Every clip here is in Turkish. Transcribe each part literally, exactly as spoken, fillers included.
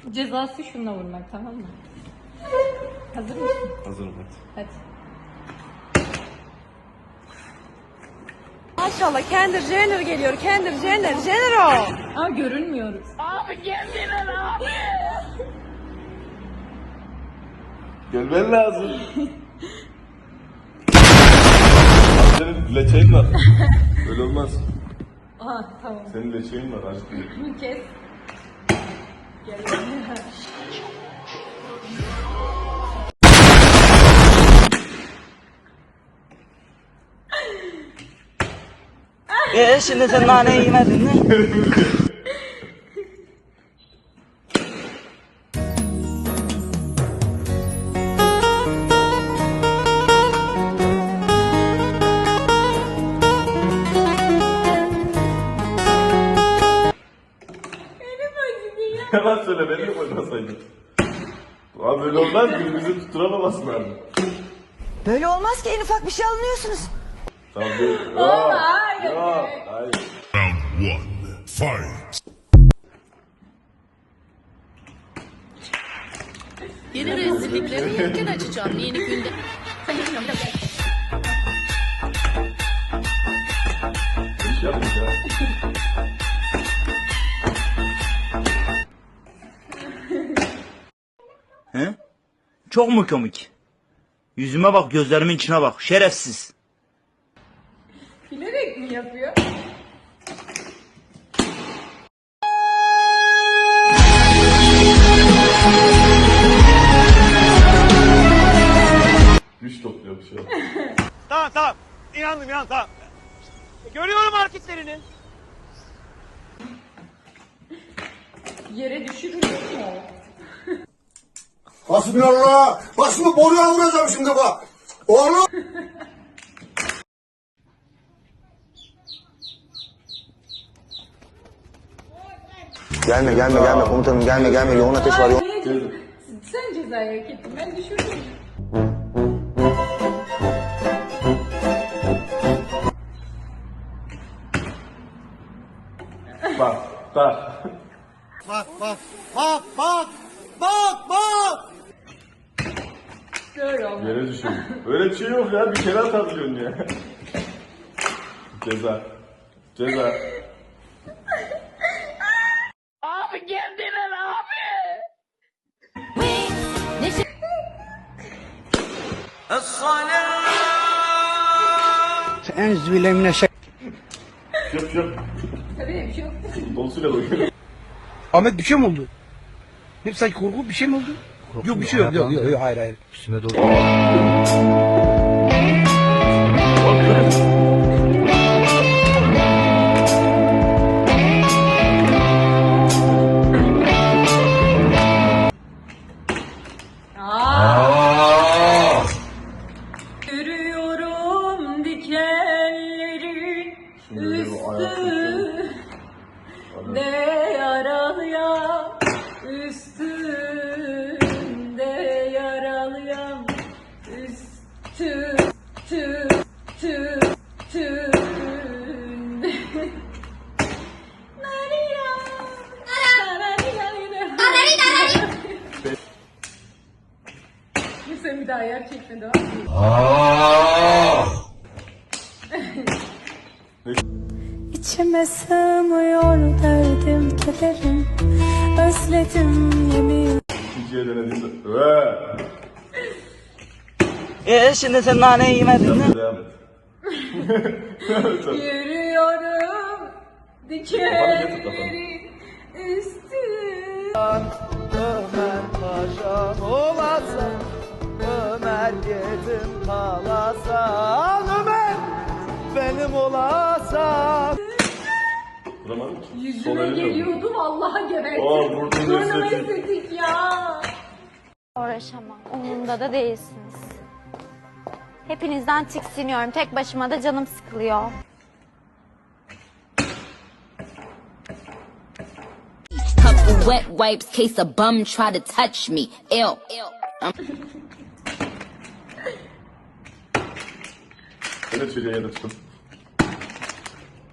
Cezası şununla vurmak, tamam mı? Hazır mısın? Hazırım hadi. Hadi. Maşallah Kendall Jenner geliyor. Kendall Jenner. Jenner o. Aa, görünmüyoruz. Abi geldiler abi. Gelmen lazım. Senin leçeğin var. Öyle olmaz. Aha, tamam. Senin leçeğin var aşkım. Kes. Gel. Ee şimdi sen naneyi yemedin mi? Yalan söyle, beni de koymasaydın. Abi böyle olmaz, birbirimizi tutturamaması lazım. Böyle olmaz ki en ufak bir şey alınıyorsunuz. Tamam değil. Oğlum, hayır. Yok, hayır. Round one, fight. Yeni rezillikleri yelken açacağım yeni günde. Hiç yapmayacağım. He? Çok mu komik? Yüzüme bak, gözlerimin içine bak. Şerefsiz. Bilerek mi yapıyor? Güç topluyor bir şey. Tamam tamam. İnandım inandım tamam. Görüyorum hareketlerini. Yere düşürülür mü o? Hasbinallah. Bak şimdi boruya vuracağım şimdi bak. Oğlum. Gelme gelme gelme komutanım gelme gelme yoğun ateş var yoğun. Niye ceza- Sen cezayı hak ettin, ben düşürdüm. Bak, bak. Bak bak bak bak bak bak. Böyle olmaz. Yere düşüyor. Öyle bir şey yok ya, bir kere atabiliyorsun ya. Ceza. Ceza. Abi geldiler abi. Yok yok. Tabii bir şey yok. Dolusuyla doyuyor. Ahmet bir şey mi oldu? Ne sanki korku bir şey mi oldu? Yok bir şey yok. Yok, yok, yok hayır hayır. Üstüme doğru. Aa! Yürüyorum dikenlerin üstünde yaralıyam, üstünde yaralıyam, üstü tü tü tünde. Narira, narira, narira. Sen bir daha yer çekme, devam. İçime sığmıyor derdim kederim. Özledim yemin. İkinciye denediğimde. Ve. Ee şimdi sen naneyi yemedin mi? Devam et. Yürüyorum dikenlerin üstü. Ömer paşam olasa, Ömer yedim kalasa, Ömer benim olasa. Vuramadım ki. Sol Yüzüme elimle vurdum. geliyordu, vallahi gebertim. Aa, vurdun Sonra estetik. estetik ya. Uğraşamam. Umurumda da değilsiniz. Hepinizden tiksiniyorum. Tek başıma da canım sıkılıyor. Couple wet wipes, case a bum try to touch me. Ew. Evet çocuğa ya da tutun.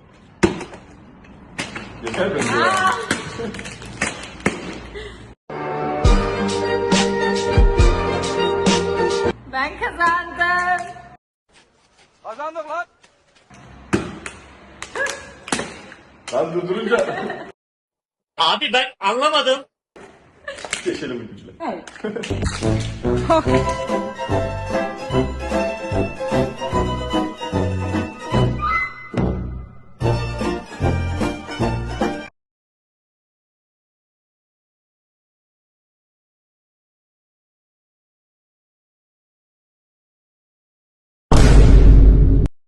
Yeter bence ya. Ben kazandım. Kazandık lan. Lan durdurunca. Abi ben anlamadım. Geçelim bu gücüyle. Evet.